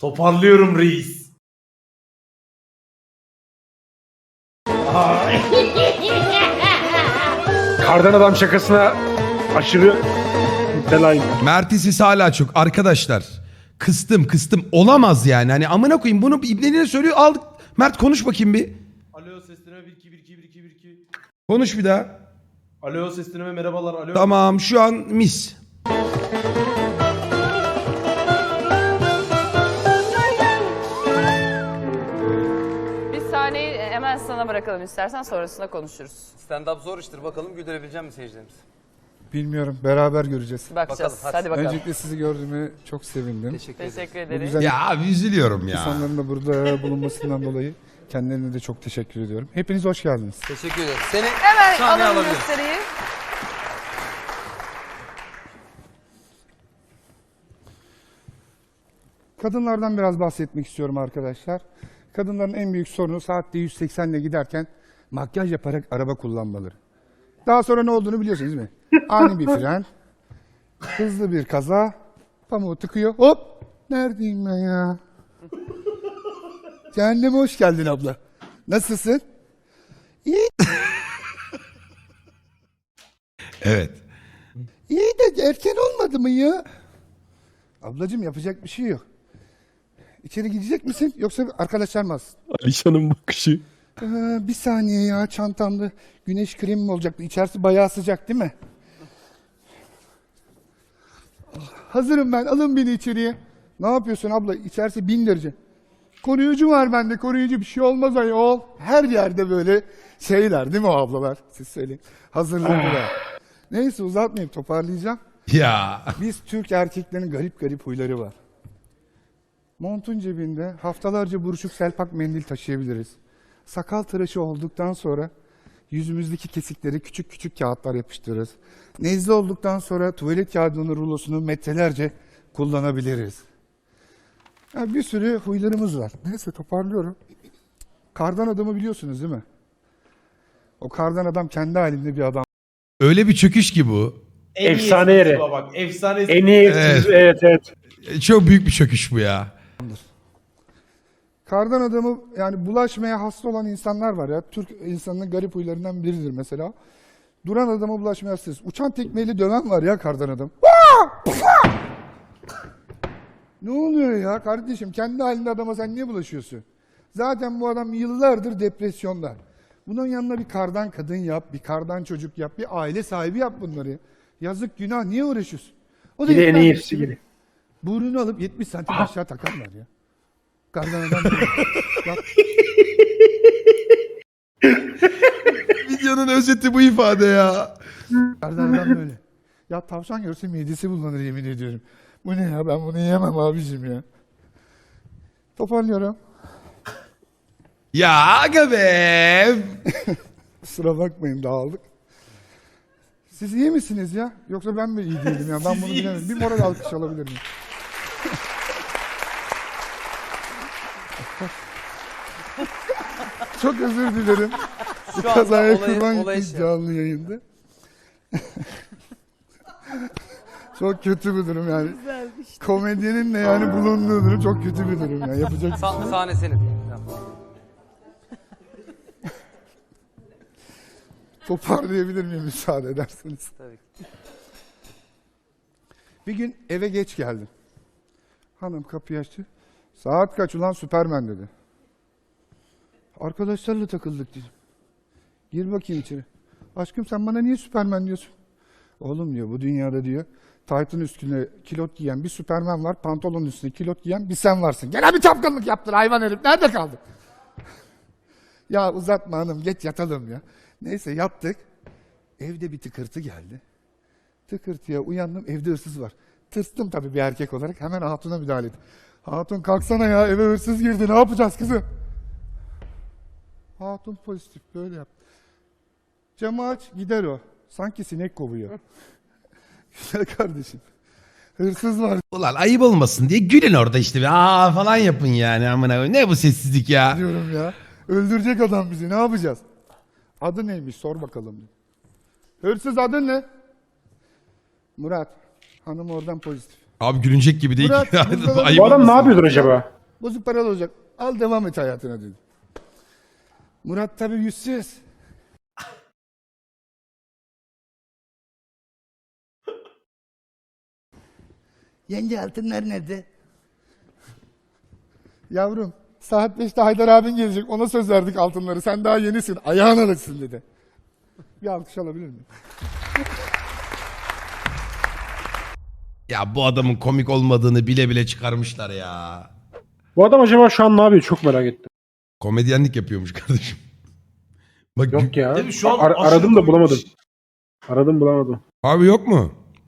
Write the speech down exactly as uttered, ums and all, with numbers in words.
Toparlıyorum reis. Kardan adam şakasına aşırı müptelayım. Mert'in sesi hala çok. Arkadaşlar kıstım kıstım. Olamaz yani. Hani amına koyayım bunu ibneliğine söylüyor. Aldık. Mert konuş bakayım bir. Alo seslenme bir iki bir iki bir iki bir iki. Konuş bir daha. Alo seslenme merhabalar. Alo. Tamam şu an mis. Bir sahneyi hemen sana bırakalım istersen, sonrasında konuşuruz. Stand-up zor iştir. Bakalım güldürebilecek mi seyircilerimiz? Bilmiyorum. Beraber göreceğiz. Bakacağız. Bakalım, hadi. hadi. bakalım. Öncelikle sizi gördüğüme çok sevindim. Teşekkür ederim. Teşekkür Bu ederiz. güzel Ya abi üzülüyorum ya. insanların da burada bulunmasından dolayı kendilerine de çok teşekkür ediyorum. Hepiniz hoş geldiniz. Teşekkür ederim. Seni Hemen sahneye alalım alabiliriz. gösteriyi. Kadınlardan biraz bahsetmek istiyorum arkadaşlar. Kadınların en büyük sorunu saatte yüz seksen ile giderken makyaj yaparak araba kullanmaları. Daha sonra ne olduğunu biliyorsunuz değil mi? Ani bir fren, hızlı bir kaza, pamuğu tıkıyor, hop! Neredeyim ben ya? Cehenneme hoş geldin abla. Nasılsın? İyi, Evet. iyi de erken olmadı mı ya? Ablacığım yapacak bir şey yok. İçeri gidecek misin yoksa arkadaşlar mı alsın? Alişan'ın bakışı. Ee, bir saniye ya, çantamda güneş kremi mi olacaktı? İçerisi bayağı sıcak değil mi? Hazırım ben, alın beni içeriye. Ne yapıyorsun abla? İçerisi bin derece. Koruyucu var bende, koruyucu, bir şey olmaz ayol. Her yerde böyle şeyler değil mi o ablalar? Siz söyleyin. Hazırlıklı. Neyse uzatmayayım, toparlayacağım. Ya. Biz Türk erkeklerin garip garip huyları var. Montun cebinde haftalarca buruşuk selpak mendil taşıyabiliriz. Sakal tıraşı olduktan sonra yüzümüzdeki kesikleri küçük küçük kağıtlar yapıştırırız. Nezle olduktan sonra tuvalet kağıdının rulosunu metrelerce kullanabiliriz. Ya bir sürü huylarımız var. Neyse toparlıyorum. Kardan adamı biliyorsunuz değil mi? O kardan adam kendi halinde bir adam. Öyle bir çöküş ki bu. En iyi Efsane esprisi yeri. bu Bak efsane En esprisi. iyi Evet. evet evet. E, Çok büyük bir çöküş bu ya. Kardan adamı yani bulaşmaya hasta olan insanlar var ya. Türk insanının garip huylarından biridir mesela. Duran adama bulaşmaya hastayız. Uçan tekmeyle döven var ya kardan adam. Ne oluyor ya kardeşim? Kendi halinde adama sen niye bulaşıyorsun? Zaten bu adam yıllardır depresyonda. Bunun yanına bir kardan kadın yap, bir kardan çocuk yap, bir aile sahibi yap bunları. Yazık günah, niye uğraşıyorsun? O da Bir de en yetmez iyisi gibi. gibi. Burnunu alıp yetmiş santim aşağı takarlar ya. Kardan adam böyle. Yap. Videonun özeti bu ifade ya. Kardan adam böyle. Ya tavşan görse midesi bulanır yemin ediyorum. Bu ne ya, ben bunu yiyemem abicim ya. Toparlıyorum. Ya aga be. Kusura bakmayın, dağıldık. Siz iyi misiniz ya? Yoksa ben mi iyi değilim ya? Ben bunu bilemem. Bir moral alkış alabilir miyim? Çok özür dilerim. Bu Şu anda kazaya olayı- kurban olayı gittik şey- canlı yayında. Çok kötü bir durum yani. Komedyenin de yani bulunduğu durum çok kötü bir durum ya. Yapacak bir şey Sa- yok. sahne senin. Tamam. Toparlayabilir miyim müsaade ederseniz? Tabii ki. Bir gün eve geç geldim. Hanım kapıyı açtı. Saat kaç ulan Süpermen dedi. Arkadaşlarla takıldık dedim. Gir bakayım içeri. Aşkım sen bana niye Süpermen diyorsun? Oğlum diyor bu dünyada diyor taytın üstüne kilot giyen bir Süpermen var. Pantolonun üstüne kilot giyen bir sen varsın. Gene bir çapkınlık yaptın hayvan herif. Nerede kaldın? Ya uzatma hanım geç yatalım ya. Neyse yattık. Evde bir tıkırtı geldi. Tıkırtıya uyandım, evde hırsız var. Tırstım tabii bir erkek olarak, hemen hatuna müdahale ettim. Hatun kalksana ya, eve hırsız girdi, ne yapacağız kızım? Hatun pozitif, böyle yaptı. Camı aç, gider o. Sanki sinek kovuyor. Güzel kardeşim. Hırsız var Ulan ayıp olmasın diye gülün orada işte. Aa falan yapın yani amına koyayım. Ne bu sessizlik ya? diyorum ya. Öldürecek adam bizi, ne yapacağız? Adı neymiş, sor bakalım. Hırsız adın ne? Murat. Hanım oradan pozitif. Abi gülünecek gibi değil Murat, ki. buzdolabı- Ayıp Bu adam ne olmasın. yapıyordur acaba? Bozuk paralı olacak. Al devam et hayatına dedi. Murat tabii yüzsüz. Yenge altınlar nerede? Yavrum saat beşte Haydar abin gelecek. Ona söz verdik altınları. Sen daha yenisin. Ayağın alışsın dedi. Bir alkış alabilir miyim? Ya bu adamın komik olmadığını bile bile çıkarmışlar ya. Bu adam acaba şu an ne yapıyor? Çok merak ettim. Komedyenlik yapıyormuş kardeşim. Bak Yok ya. Değil mi? Şu an Ar- aşırı aradım da komik. bulamadım. Aradım bulamadım. abi yok mu?